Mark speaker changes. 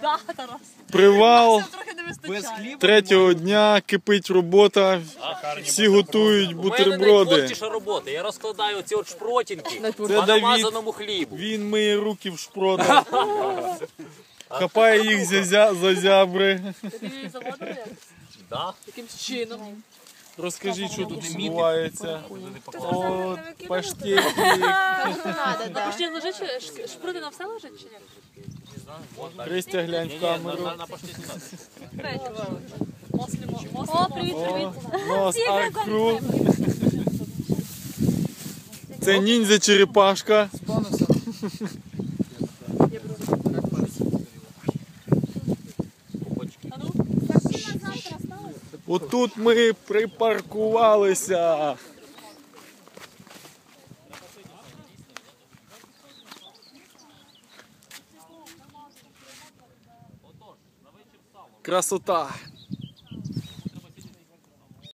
Speaker 1: Да, Тарас.
Speaker 2: Привал.
Speaker 1: Нам трохи не вистачає.
Speaker 2: Третього дня кипить робота. Всі готують
Speaker 3: У мене
Speaker 2: бутерброди.
Speaker 3: найтворчіша робота. Я розкладаю оці от шпротінки
Speaker 2: Це
Speaker 3: по
Speaker 2: Давід.
Speaker 3: намазаному хлібу.
Speaker 2: Він миє руки в шпротах. Хапає їх за зябри.
Speaker 1: Тобі заводили?
Speaker 3: Да.
Speaker 1: Якимсь чином.
Speaker 2: Розкажіть, що тут відбувається. От, паштети.
Speaker 1: А ще лежить, шпрути на все лежить чи ні?
Speaker 2: Христя, глянь в камеру.
Speaker 3: На паштеті надо.
Speaker 1: Третє. О, привіт, привіт.
Speaker 2: Нос аркру. Це ніндзя черепашка. Отут ми припаркувалися. Красота.